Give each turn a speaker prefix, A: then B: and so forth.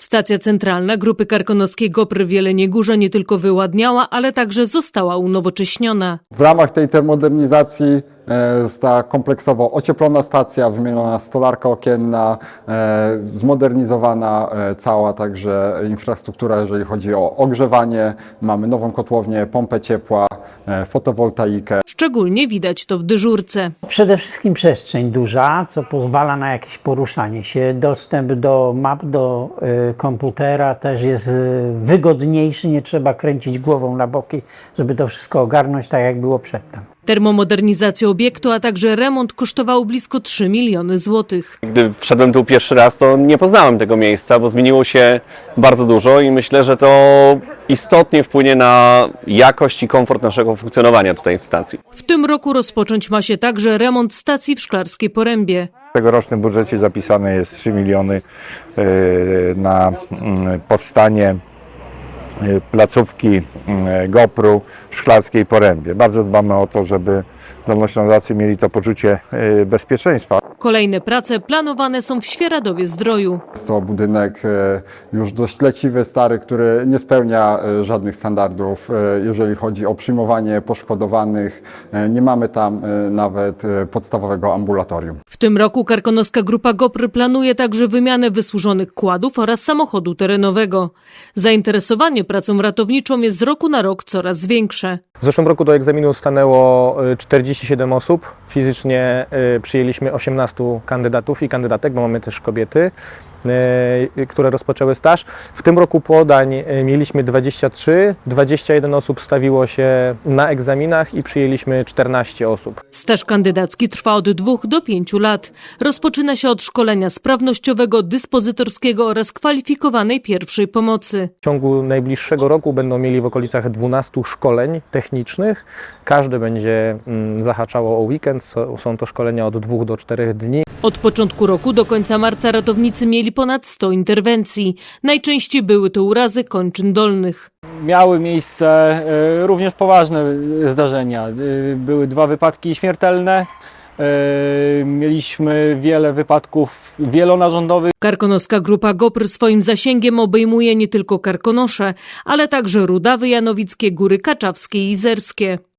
A: Stacja centralna Grupy Karkonoskiej GOPR w Jeleniej Górze nie tylko wyładniała, ale także została unowocześniona.
B: W ramach tej termomodernizacji została kompleksowo ocieplona stacja, wymieniona stolarka okienna, zmodernizowana cała także infrastruktura, jeżeli chodzi o ogrzewanie. Mamy nową kotłownię, pompę ciepła, fotowoltaikę.
A: Szczególnie widać to w dyżurce.
C: Przede wszystkim przestrzeń duża, co pozwala na jakieś poruszanie się. Dostęp do map, do komputera też jest wygodniejszy, nie trzeba kręcić głową na boki, żeby to wszystko ogarnąć tak jak było przedtem.
A: Termomodernizacja obiektu, a także remont kosztowało blisko 3 miliony złotych.
D: Gdy wszedłem tu pierwszy raz, to nie poznałem tego miejsca, bo zmieniło się bardzo dużo i myślę, że to istotnie wpłynie na jakość i komfort naszego funkcjonowania tutaj w stacji.
A: W tym roku rozpocząć ma się także remont stacji w Szklarskiej Porębie.
E: W tegorocznym budżecie zapisane jest 3 miliony na powstanie placówki GOPR-u w Szklarskiej Porębie. Bardzo dbamy o to, żeby dolnoślązacy mieli to poczucie bezpieczeństwa.
A: Kolejne prace planowane są w Świeradowie-Zdroju.
B: Jest to budynek już dość leciwy, stary, który nie spełnia żadnych standardów, jeżeli chodzi o przyjmowanie poszkodowanych. Nie mamy tam nawet podstawowego ambulatorium.
A: W tym roku Karkonoska Grupa GOPR planuje także wymianę wysłużonych kładów oraz samochodu terenowego. Zainteresowanie pracą ratowniczą jest z roku na rok coraz większe.
F: W zeszłym roku do egzaminu stanęło 47 osób. Fizycznie przyjęliśmy 18 kandydatów i kandydatek, bo mamy też kobiety, które rozpoczęły staż. W tym roku podań mieliśmy 23, 21 osób stawiło się na egzaminach i przyjęliśmy 14 osób.
A: Staż kandydacki trwa od 2 do 5 lat. Rozpoczyna się od szkolenia sprawnościowego, dyspozytorskiego oraz kwalifikowanej pierwszej pomocy.
F: W ciągu najbliższego roku będą mieli w okolicach 12 szkoleń technicznych. Każde będzie zahaczało o weekend. Są to szkolenia od 2 do 4 dni.
A: Od początku roku do końca marca ratownicy mieli ponad 100 interwencji. Najczęściej były to urazy kończyn dolnych.
G: Miały miejsce również poważne zdarzenia. Były 2 wypadki śmiertelne. Mieliśmy wiele wypadków wielonarządowych.
A: Karkonoska Grupa GOPR swoim zasięgiem obejmuje nie tylko Karkonosze, ale także Rudawy Janowickie, Góry Kaczawskie i Izerskie.